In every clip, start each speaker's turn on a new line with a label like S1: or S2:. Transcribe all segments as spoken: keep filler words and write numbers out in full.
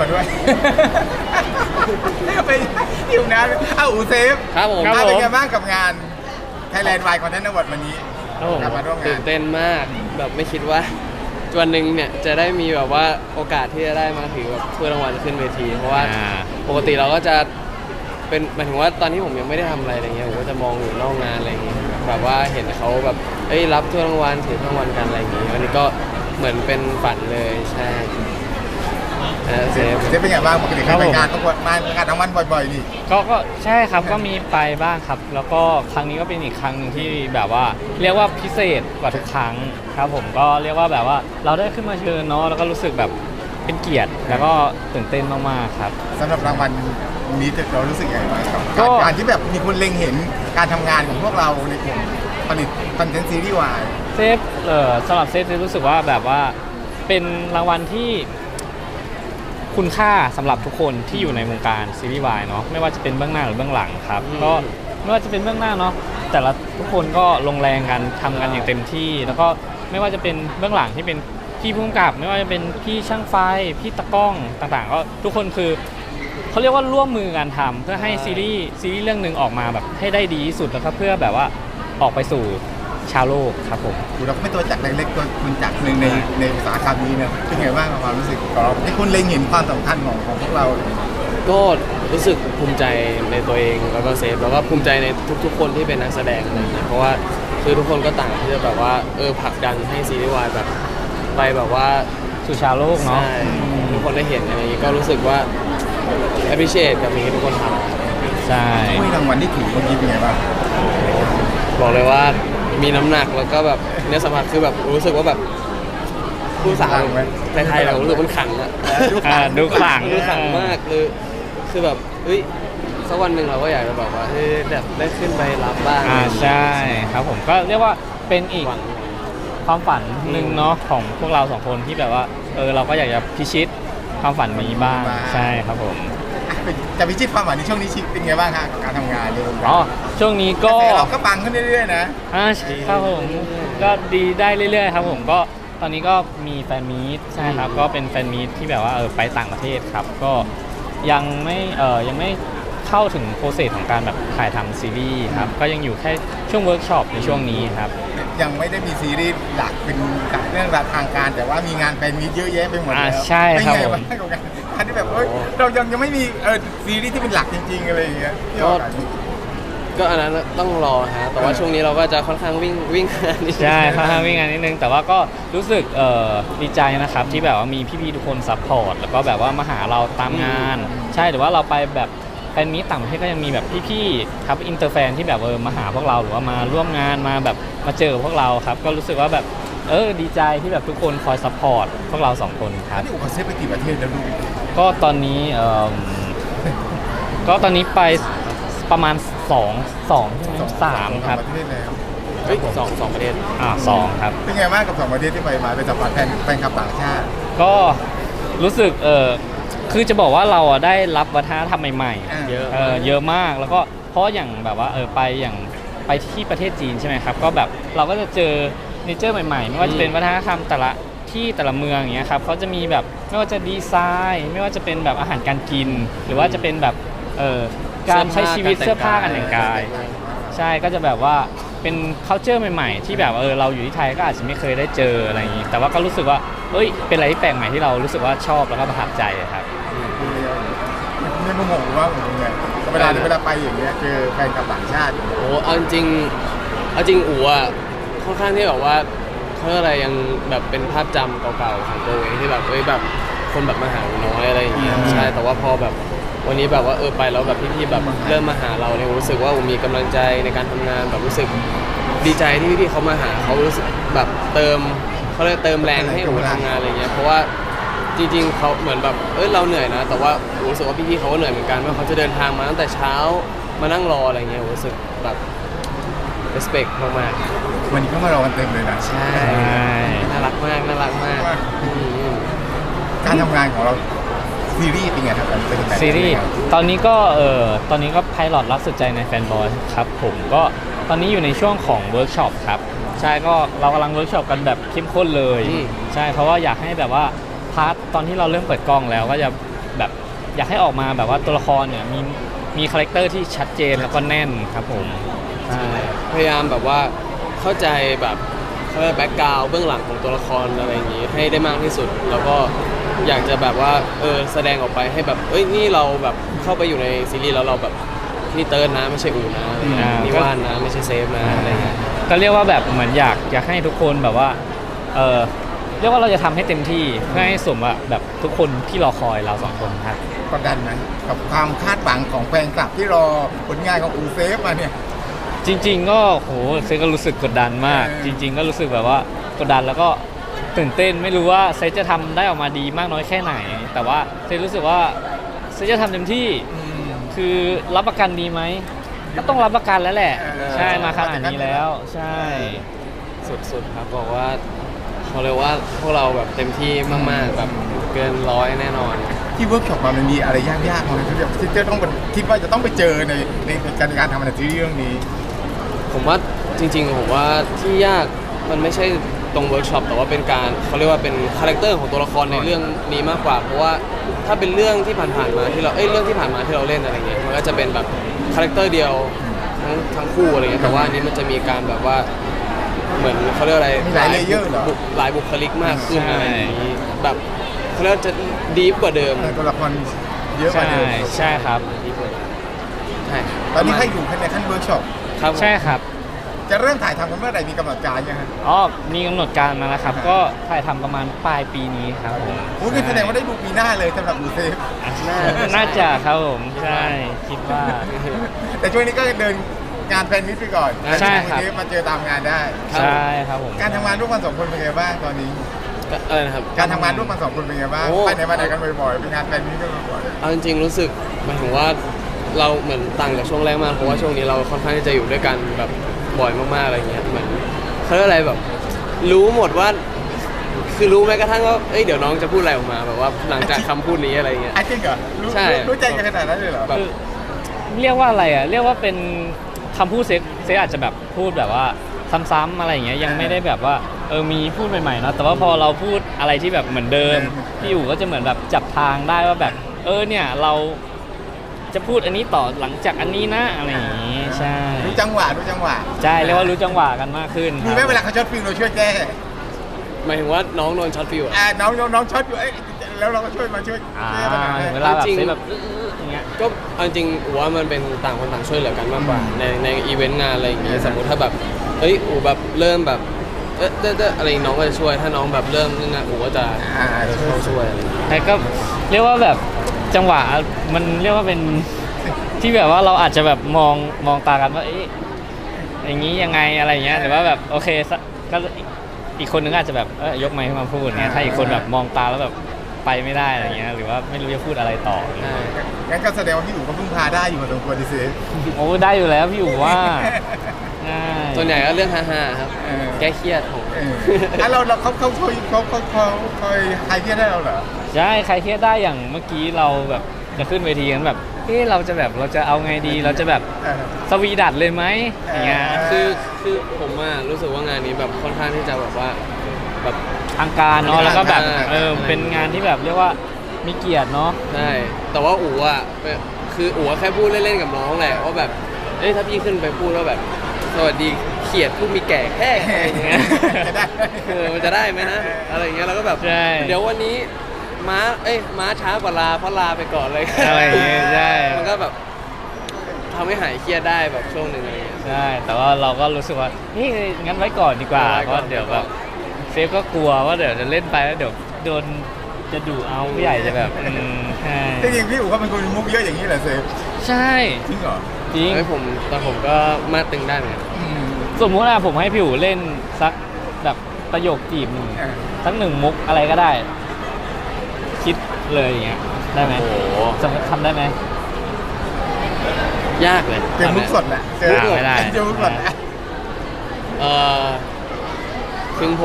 S1: ด้วยไปอยู่นะเอ้าอูเซฟ
S2: ครับผม
S1: เป็นไงบ้างกับงาน Thailand Wine Content Award วันนี้
S2: ครับผม
S1: กลับมาร่วมงา
S2: ตื่
S1: น
S2: นเต้นมากแบบไม่คิดว่าวันหนึ่งเนี่ยจะได้มีแบบว่าโอกาสที่จะได้มาถือแบบถ้วยรางวัลขึ้นเวที เพราะว่า
S3: อ่า
S2: ปกติเราก็จะเป็นหมายถึงว่าตอนที่ผมยังไม่ได้ทำอะไรอะไรเงี้ยผมก็จะมองอยู่นอกงานอะไรอย่างเงี้ยแบบว่าเห็นเขาแบบเอ้ยรับถ้วยรางวัลถือถ้วยรางวัลกันอะไรอย่างงี้วันนี้ก็เหมือนเป็นฝันเลยใช่เออเซฟ
S1: เซฟเป็นไงบ้างปกติเคยไปงานประกวดมางานรางวัลบ่อยๆนี่
S3: ก็ก็ใช่ครับก็มีไปบ้างครับ แล้วก็ครั้งนี้ก็เป็นอีกครั้งหนึ่งที่แบบว่าเรียกว่าพิเศษกว่าทุกครั้งครับผมก็เรียกว่าแบบว่าเราได้ขึ้นมาเชิญเนาะแล้วก็รู้สึกแบบเป็นเกียรติแล้วก็ตื่นเต้นมากๆครับ
S1: สำหรับรางวัลนี้เรารู้สึกยังไงบ้างครับ
S3: ก็
S1: การที่แบบมีคนเล็งเห็นการทำงานของพวกเราในกลุ่มผลิตคอนเทนต์ซีรีส์วาย
S3: เซฟเอ่อสำหรับเซฟเซฟรู้สึกว่าแบบว่าเป็นรางวัลที่คุณค่าสำหรับทุกคนที่อยู่ในวงการซีรีส์วายเนาะไม่ว่าจะเป็นเบื้องหน้าหรือเบื้องหลังครับ
S2: อืม
S3: ก็ไม่ว่าจะเป็นเบื้องหน้าเนาะแต่ละทุกคนก็ลงแรงกันทำกันอย่างเต็มที่ แล้วก็ไม่ว่าจะเป็นเบื้องหลังที่เป็นพี่ผู้กำกับ ไม่ว่าจะเป็นพี่ช่างไฟพี่ตะกล้องต่างๆ ก็ทุกคนคือเขาเรียกว่าร่วมมือกันทำเพื่อให้ซีรีส์ซีรีส์เรื่องหนึ่งออกมาแบบให้ได้ดีที่สุดแล้วก็เพื่อแบบว่าออกไปสู่ชาวโลกครับผม
S1: เราก็ไม่ตัวจักรเล็กๆตัวคุณจักรหนึ่งในในอุตสาหกรรมนี้เนี่ยเป็นไงบ้างกับความรู้สึกของเราที่คุณเล็งเห็นความสำคัญของของพวกเรา
S2: ก็รู้สึกภูมิใจในตัวเองแล้วก็เซฟแล้วก็ภูมิใจในทุกๆ คนที่เป็นนักแสดงอะไรอย่างเงี้ยเพราะว่าคือทุกคนก็ต่างที่จะแบบว่าเออผลักดันให้ซีรีส์วายแบบไปแบบว่า
S3: สู่ชาวโลกเนาะ
S2: ใช่ทุกคนได้เห็นอะไรอย่างงี้ก็รู้สึกว่า appreciate กับสิ่งที่ทุกคนท
S3: ใช่
S1: ถ้วยรางวัลที่ถือเมื่อกี้เป็นไงบ้าง
S2: ำบอกเลยว่ามีน้ำหนักแล้วก็แบบเนื้อสัมผัสคือแบบรู้สึกว่าแบบผู้สาวไทยๆเรารู้สึกมันขังอะ
S3: อ่าดูขลัง
S2: ดูขังมากคือคือแบบเฮ้ยสักวันหนึ่งเราก็อยากจะแบบว่าเฮ้ยแบบได้ขึ้นไปรับบ้าง
S3: อ่าใช่ครับผมก็เรียกว่าเป็นอีก
S2: หวัง
S3: ความฝันหนึ่งเนาะของพวกเราสองคนที่แบบว่าเออเราก็อยากจะพิชิตความฝันนี้บ้างใช่ครับผม
S1: อ่ะเป็นจะพิชิตความหวังในช่วงนี้ชิเป็นไงบ้างคะกับการทำงานในวงการ
S3: อ๋อช่วงนี้ก็
S1: แต่เราก็ปังขึ้นเรื่อยๆนะ
S3: อ่าครับผมก็ดีได้เรื่อยๆครับผมก็ตอนนี้ก็มีแฟนมีตใช่ครับก็เป็นแฟนมีตที่แบบว่าเออไปต่างประเทศครับก็ยังไม่เออยังไม่เข้าถึงโปรเซสของการแบบถ่ายทำซีรีส์ครับก็ยังอยู่แค่ช่วงเวิร์กช็อปในช่วงนี้ครับ
S1: ยังไม่ได้มีซีรีส์หลักเป็นกับเรื่องราวทางการ แต่ว่ามีงานแฟนมีตเยอะแยะไปหมด
S3: อ่า
S1: แล้ว
S3: ใช่ครับ
S1: เป็นไง
S3: ผม
S1: บ้างกับการการที่แบบเอ้ยเรายังยังไม่มีเออซีรีส์ที่เป็นหลักจริงๆอะไรอย่างเงี้ยที่ออกอากาศ
S2: ก็อันนั้นต้องรอฮะแต่ว่าช่วงนี้เราก็จะค่อนข้างวิ่งวิ่งงานนิดนึง
S3: ใช่ค่อนข้างวิ่งงานนิดนึงแต่ว่าก็รู้สึกเอ่อดีใจนะครับที่แบบว่ามีพี่ๆทุกคนซัพพอร์ตแล้วก็แบบว่ามาหาเราตามงาน ใช่หรือว่าเราไปแบบแฟนมีตต่างประเทศก็ยังมีแบบพี่ๆครับอินเตอร์แฟนที่แบบเออมาหาพวกเราหรือว่ามาร่วมงานมาแบบมาเจอพวกเราครับก็รู้สึกว่าแบบเออดีใจที่แบบทุกคนคอยซัพพอร์ตพวกเราสองคนครับ
S1: นี่อุปเซฟไปกี่ประเทศแล้วลูก
S3: ก็ตอนนี้เอ่อก็ตอนนี้ไปประมาณสอง สองใช่ไหมสามครับ
S1: ประเทศแล้ว
S2: เฮ้ยสองสองประเทศ
S3: อ่าสองครับ
S1: เป็นไงบ้างกับสองประเทศที่ไปมาเป็นสัมผัสแฟนแฟนคลับต่างชาติ
S3: ก็รู้สึกเออคือจะบอกว่าเราอ่ะได้รับวัฒนธรรมใหม่
S1: อ่า
S3: ๆเยอะเออเยอะมากแล้วก็เพราะอย่างแบบว่าเออไปอย่างไปที่ประเทศจีนใช่ไหมครับก็แบบเราก็จะเจอเนเจอร์ใหม่ๆ ไม่ว่าจะเป็นวัฒนธรรมแต่ละที่แต่ละเมืองอย่างเงี้ยครับเขาจะมีแบบไม่ว่าจะดีไซน์ ไม่ว่าจะเป็นแบบอาหารการกิน หรือว่าจะเป็นแบบเออการใช้ชีวิตเสื้อผ้าการแต่งกาย ใช่ก็จะแบบว่าเป็น culture ใหม่ๆ ที่แบบเออเราอยู่ที่ไทยก็อาจจะไม่เคยได้เจออะไรอย่างนี้แต่ว่าก็รู้สึกว่าเอ้ยเป็นอะไรที่แปลกใหม่ที่เรารู้สึกว่าชอบแล้วก็ประทับใจครับ
S1: ไม่รู้งงว่าผมยังไงเวลาเวลาไปอย่างเงี้ยเจอแฟนคลับต่างชาติ
S2: โอ้เอาจริงๆเอาจริงอู๋อ่ะค่อนข้างที่แบบว่าเขาเรียกอะไรยังแบบเป็นภาพจำเก่าๆของตัวเองที่แบบเอ้ยแบบคนแบบมาหาอู๋น้อยอะไรอย่างเงี้ยใช่แต่ว่าพอแบบวันนี้แบบว่าเออไปแล้วแบบพี่ๆแบบเริ่มมาหาเราเนี่ยรู้สึกว่าอู๋มีกำลังใจในการทำงานแบบรู้สึกดีใจที่พี่ๆเขามาหาเขารู้สึกแบบเติมเขาเลยกเติมแรงให้อู๋ทำงานอะไรเงี้ยเพราะว่าจริงๆเขาเหมือนแบบเออเราเหนื่อยนะแต่ว่าอู๋รู้สึกว่าพี่ๆเขาก็เหนื่อยเหมือนกันว่าเขาจะเดินทางมาตั้งแต่เช้ามานั่งรออะไรเงี้ยอู๋รู้สึกแบบ respect มากๆ
S1: วันนี้ก็มารอกันเต็มเลยนะ
S2: ใช่ น่ารักมาก น่ารักมากอืม
S1: การทำงานของเราซีรีส์เป็นไงครับเป็นแบบไหน
S3: ซีรีส์ตอนนี้ก็เออตอนนี้ก็ไพลอตรักสุดใจในแฟนบอยครับผมก็ตอนนี้อยู่ในช่วงของเวิร์กช็อปครับใช่ก็เรากำลังเวิร์กช็อปกันแบบเข้มข้นเลย
S2: อืม
S3: ใช่เพราะว่าอยากให้แบบว่าพาร์ทตอนที่เราเริ่มเปิดกล้องแล้วก็จะแบบอยากให้ออกมาแบบว่าตัวละครเนี่ยมีมีคาแรคเตอร์ที่ชัดเจนแล้วก็แน่นครับผมใช่
S2: พยายามแบบว่าเข้าใจแบบเขาเรียกแบ็กกราวด์เบื้องหลังของตัวละครอะไรอย่างนี้ให้ได้มากที่สุด แล้วก็อยากจะแบบว่าเออแสดงออกไปให้แบบเอ้ยนี่เราแบบเข้าไปอยู่ในซีรีส์แล้วเราแบบนี่เติร์ดนะไม่ใช่อูนะอะไรเงี้ย
S3: อ่านี่
S2: นี่ว่านนะไม่ใช่เซฟนะอะไรเงี้ย
S3: ก็เรียกว่าแบบเหมือนอยากอยากให้ทุกคนแบบว่าเออเรียกว่าเราจะทำให้เต็มที่เพื่อให้สมว่าแบบทุกคนที่รอคอยเราสองคนครับ
S1: กดดันไหมกับความคาดหวังของแฟนคลับที่รอผลงานของอูเซฟมาเนี่ย
S3: จริง ๆ ก็โหเซก็รู้สึกกดดันมาก
S1: เออ
S3: จริง ๆ ก็รู้สึกแบบว่ากดดันแล้วก็ตื่นเต้นไม่รู้ว่าเซจะทำได้ออกมาดีมากน้อยแค่ไหน แต่ว่าเซรู้สึกว่าเซจะทำเต็มที่คือรับประกันดีไหมก็ต้องรับประกันแล้วแหละ
S1: เออ
S3: ใช่มาขนาดนี้แล้ว ใช่
S2: สุดๆครับบอกว่าเขาเรียกว่าพวกเราแบบเต็มที่มากๆแบบเกินร้อยแน่นอน
S1: ที่เวิร์กช็อปมามันมีอะไรยากๆไหมที่แบบที่จะต้องคิดว่าจะต้องไปเจอในในการการทำงานซีรีส์เรื่องนี้
S2: ผมว่าจริงๆผมว่าที่ยากมันไม่ใช่ตรงเวิร์กช็อปแต่ว่าเป็นการเขาเรียกว่าเป็นคาแรคเตอร์ของตัวละครในเรื่องนี้มากกว่า เพราะว่าถ้าเป็นเรื่องที่ผ่านๆมาที่เราเอ้ยเรื่องที่ผ่านมาที่เราเล่นอะไรเงี้ยมันก็จะเป็นแบบคาแรคเตอร์เดียวทั้งทั้งคู่อะไรเงี้ยแต่ว่าอันนี้มันจะมีการแบบว่าเหมือนเขาเรียกอะไร
S1: มีหลาย layer เหรอ
S2: บุหลายบุคลิกมากขึ้น
S3: ใช่
S2: อะไรอย่างนี้แบบเขาเรียกว่าจะดีฟกว่าเดิม
S1: เออตัวละครเยอะกว่า
S3: ใช่
S1: เดิม
S3: ใช่ครับ
S2: ดีฟกว่าเดิมใช่
S1: ตอนนี้ให้อยู่ในขั้นเวิร์กช็อป
S2: ครับผม
S3: ใช่ครับ
S1: จะเริ่มถ่ายทำกันเมื่อไหร่มีกำหนดการยังไง
S3: อ๋อมีกำหนดการมาแล้วครับ ก็ถ่ายทำประมาณปลายปีนี้ครับผม
S1: โอ้ยแสดงว่าได้ดูปีหน้าเลยสำหรับอูเซฟ
S3: น่าจะครับผมใช่คิดว่า
S1: แต่ช่วงนี้ก็เดินงานแฟนมิตไปก่อน
S3: ใช่ครับ
S1: อูเซฟมาเจอตามงานได้
S3: ใช่ครับผม
S1: การทำงานร่วมกันสองคนเป็นไงบ้างตอนนี้
S2: ก็อะไรนะครับ
S1: การทำงานร่วมกันสองคนเป็นไงบ้าง
S2: โอ้
S1: ไปไหนมาไหนกันบ่อยๆเป็นงานแฟนมิตกันบ่อย
S2: เอาจริงๆรู้สึกหมายถึงว่าเราเหมือนต่างจากช่วงแรกมากเพราะว่าช่วงนี้เราค่อนข้างที่จะอยู่ด้วยกันแบบบ่อยมากๆอะไรเงี้ยเหมือนเขาเรียกอะไรแบบ รู้หมดว่า คือรู้แม้กระทั่งว่าเอ้ยเดี๋ยวน้องจะพูดอะไรออกมาแบบว่าหลังจากคำพูดนี้อะไรเงี้ย
S1: ๆอ่ะจริงเหรอรู้
S2: ใช่
S1: รู้รู้ใจกันขนาดนั้นเลยเหรอ
S2: แบบ
S3: คือเรียกว่าอะไรอ่ะเรียกว่าเป็นคำพูดเซ็กเซ็กอาจจะแบบพูดแบบว่าซ้ำๆอะไรอย่างเงี้ยยังไม่ได้แบบว่าเออมีพูดใหม่ๆเนาะแต่ว่าพอเราพูดอะไรที่แบบเหมือนเดิมพี่อยู่ก็จะเหมือนแบบจับทางได้ว่าแบบเออเนี่ยเราจะพูดอันนี้ต่อหลังจากอันนี้นะอะไรอย่างงี้ใช่
S1: รู้จังหวะรู้จังหวะ
S3: ใช่เรียกว่ารู้จังหวะกันมากขึ้น
S1: มีไหมเวลาเขาช็อตฟิลเราช่วยแก้
S2: หมายถึงว่าน้องโดนช็อตฟิวอะ
S1: อ่าน้องน้องน้องช็อตอยู่เอ้ยแล้วเราก็ช่วยมาช่วย
S3: อ่า
S1: แก้ปัญหาให้
S3: เวลาแบบ
S2: จริง
S3: เซ็กแบบอื้อๆอย่างเงี้ย
S2: ก็เอาจริงอูว่ามันเป็นต่างคนต่างช่วยเหลือกันมากกว่าในในอีเวนต์งานอะไรอย่างเงี้ยสมมติถ้าแบบเอ้ยอูแบบเริ่มแบบเอ๊ะเอ๊ะเอ๊ะอะไรน้องก็จะช่วยถ้าน้องแบบเริ่มงานอูก็จะ
S1: อ่า
S2: เข้าช่วยอะไรอย่างเงี้ย
S3: แต่ก็เรียกว่าแบบจังหวะมันเรียกว่าเป็นที่แบบว่าเราอาจจะแบบมองมองตากันว่าเอ๊ะอย่างนี้ยังไงอะไรอย่างเงี้ยหรือว่าแบบโอเคสักก็อีกอีกคนนึงอาจจะแบบเออยกไมค์ขึ้นมาพูดเงี้ยถ้าอีกคนแบบมองตาแล้วแบบไปไม่ได้อะไรเงี้ยหรือว่าไม่รู้จะพูดอะไรต่อ
S2: ใช่
S1: งั้นก็แสดงว่าพี่อู๋ก็พึ่งพาได้อยู่พอสมควรดิเซฟ
S3: โอ้ได้อยู่แล้วพี่อู๋ว่าง่าย
S2: ส่วนใหญ่ก็เรื่องฮาๆครับ
S1: เออ
S2: แก้เครียดของ
S1: เออแล้วเราเราเขาเขาช่วยเขาเขาเขาคอยใครเครียดได้เราเหรอ
S3: ใช่ใครเครียดได้อย่างเมื่อกี้เราแบบจะขึ้นเวทีกันแบบเฮ้เราจะแบบเราจะเอาไงดีเราจะแบบ
S1: เออ
S3: สวีดัดเลยไหมอย่างเงี้ย
S1: เอ
S2: คือคือผมอะรู้สึกว่างานนี้แบบค่อนข้างที่จะแบบว่าแบบ
S3: ทางการเนาะแล้วก็แบบ
S2: อ่า
S3: เออเป็นงานที่แบบเรียกว่ามีเกียรติเนาะ
S2: ใช่แต่ว่าอู๋อะคืออู๋แค่พูดเล่นๆกับน้องแหละว่าแบบเอ้ยถ้าพี่ขึ้นไปพูดว่าแบบสวัสดีเขียดผู้มีแก่แค่อะไรอย่างเงี้ย
S1: จะได้
S2: เออมันจะได้ไหมนะอะไรอย่างเงี้ยเราก็แบบ
S3: ใช่
S2: เดี๋ยววันนี้ม้าเอ้ยม้าช้ากว่าลาเพราะลาไปก่อนเลย
S3: อะไรอย่างเงี้ยใช่
S2: มันก็แบบทำให้หายเครียดได้แบบช่วงหนึ่งอะไรอย่างเงี้ย
S3: ใช่แต่ว่าเราก็รู้สึกว่านี่งั้นไว้ก่อนดีกว่า
S2: ไว้
S3: เพ
S2: ก่อน
S3: ราะเดี๋ยวแบบเซฟก็กลัวว่าเดี๋ยวจะเล่นไปแล้วเดี๋ยวโดนจะดุเอาผู้ใหญ่จะแบบอืมใช่
S1: จริงๆพี่อู๋เขาเป็นคนมีมุกเยอะอย่างนี้เหรอเซฟ
S3: ใช่
S1: จริงเหรอ
S3: จริง
S2: เฮ้ยผมแต่ผมก็มาตึงได้เหมือนกัน
S1: อืม
S3: สมมุติว่าผมให้พี่อู๋เล่นสักแบบประโยคจีบหนึ่ง
S1: เออ
S3: สักหนึ่งมุกอะไรก็ได้ คิดเลยอย่างเงี้ยได้ไหม
S2: โอ้โห
S3: สมมติทำได้ไหม
S2: ยากเลย
S1: เจอมุกสดแหละเจอ
S3: อ่าไม่ได้
S1: เจอมุกสดแหละ
S2: เอ่อถึงผม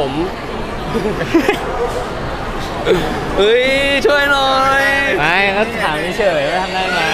S2: เฮ้ยช่วยหน่อย
S3: ไม่ก็ถามเฉยๆว่าทำได้ไหม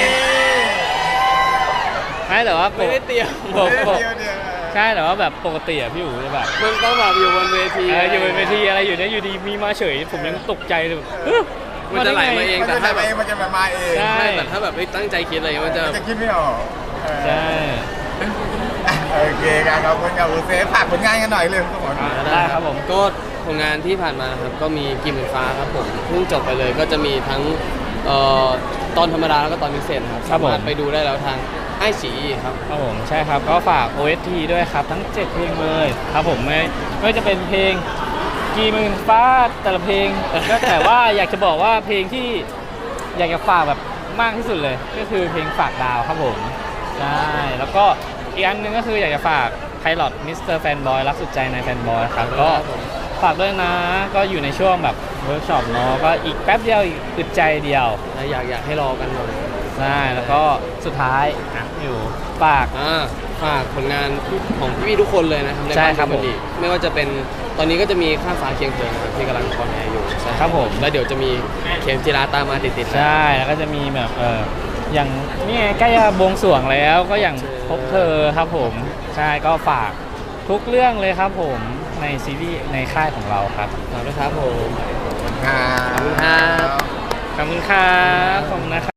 S3: ไม่แต่ว่าป
S2: ไม่
S3: ก
S2: ได้เตรียม
S3: ปกปก
S1: เดี๋ยวเดี๋ยว
S3: ใช่แต่ว่าแบบปกติอะพี่อู๋จะแบบ
S2: มันต้องแบบอยู่บนเวที
S3: เอออยู่บนเวทีอะไรอยู่เนี่ยอยู่ดีมีมาเฉย ผมยังตกใจเลยแบบเอ้อ
S2: มันจะไหลมาเอง
S1: มัน
S2: แต่
S1: จะ
S2: ถ้า
S1: มา
S2: แบบ
S1: เองมันจะมาเอง
S3: ใช่
S2: ใช่แต่ถ้าแบบไม่ตั้งใจคิดอะไรมันจะ
S1: มันจะคิดไม่ออกเออ
S3: ใช่
S1: โอเคครับขอบคุณครับอูเซฟฝากผลงานกันหน่อยเลยครับผม
S3: ได้ครับผม
S2: ก็ผลงานที่ผ่านมาครับก็มีกิมหมื่นฟ้าครับผมเพิ่งจบไปเลยก็จะมีทั้งเอ่อตอนธรรมดาแล้วก็ตอนพิเศษครับ
S3: ครับผม
S2: สามารถไปดูได้แล้วทางไอซีครับ
S3: ครับผมใช่ครับก็ฝาก โอ เอส ที ด้วยครับทั้งเจ็ดเพลงเลยครับผมไม่ไม่ว่าจะเป็นเพลงกี่หมื่นฟ้าแต่ละเพลง ก็แต่ว่าอยากจะบอกว่าเพลงที่อยากจะฝากแบบมากที่สุดเลย ก็คือเพลงฝากดาวครับผมใช่แล้วก็อีกอันหนึงก็คืออยากจะฝากไพลอตมิสเตอร์แฟนบอยรักสุดใจในแฟนบอยครับก็ฝากด้วยนะก็อยู่ในช่วงแบบเวิร์กช็อปเนาะก็อีกแป๊บเดียวอีกอึดใจเดียว
S2: และอยากอยากให้รอกันหน่อย
S3: ใช่แล้วก็สุดท้ายอ่ะอยู่ฝาก
S2: อ่าฝากผลงานของพี่ๆทุกคนเลยนะครับใน
S3: ใช่
S2: บ้าน
S3: ครับ
S2: ดูมันดีไม่ว่าจะเป็นตอนนี้ก็จะมีข้ามฟ้าเคียงเธอนะครับที่กำลังคอนแอร์อยู่ใช่
S3: ครับผม
S2: แล้วเดี๋ยวจะมีเข็มจีราตามมาติดๆ
S3: ใช่แล้วก็จะมีแบบเอออย่างนี่ไงใกล้จะบวงสรวงแล้วก็อย่างพบเธอครับผมใช่ก็ฝากทุกเรื่องเลยครับผมในซีรีส์ในค่ายของเราครับ
S2: ฝากด้วยครับผม
S1: ครับ
S2: ขอบคุณครับ
S3: ขอบคุณครับขอบคุณนะครับ